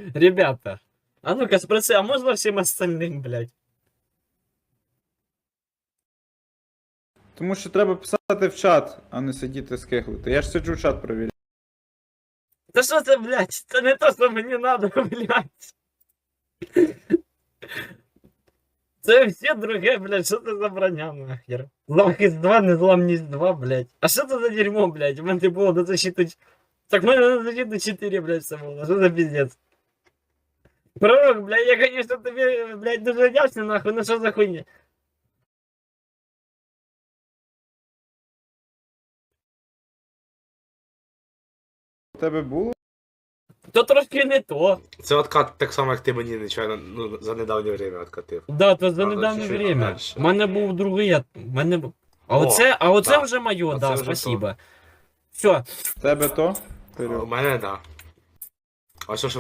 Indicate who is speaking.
Speaker 1: Ребята, а ну-ка спроси, а можно всем остальным, блядь?
Speaker 2: Тому що треба писати в чат, а не сидіти скиглити. Я ж сиджу в чат провіряю.
Speaker 1: Да что ты, блядь, это не то, что мне надо, блядь. Це все друге, блядь, що це за броня, нахер? Захист 2, незламність 2, блядь. А що це за дерьмо, блядь? У мене було до защиты... Так в мене на защиту 4, блядь, все було. Що за пиздец? Пророк, блядь, я, конечно, тобі, блядь, дуже вдячний, нахуй, ну що за хуйня?
Speaker 2: У тебе було?
Speaker 1: То трошки не то.
Speaker 3: Це откат так само, як ти мені нечайно, ну, за недавнє время откатив.
Speaker 1: Да, то за
Speaker 3: Правда,
Speaker 1: недавнє
Speaker 3: чуть-чуть
Speaker 1: время.
Speaker 3: дальше.
Speaker 1: У мене був другий, у мене був... А
Speaker 3: О,
Speaker 1: оце
Speaker 3: да.
Speaker 1: вже моє,
Speaker 3: Оце
Speaker 1: да,
Speaker 3: вже
Speaker 1: спасибо. Все,
Speaker 2: В тебе то?
Speaker 3: У мене, да. А що ж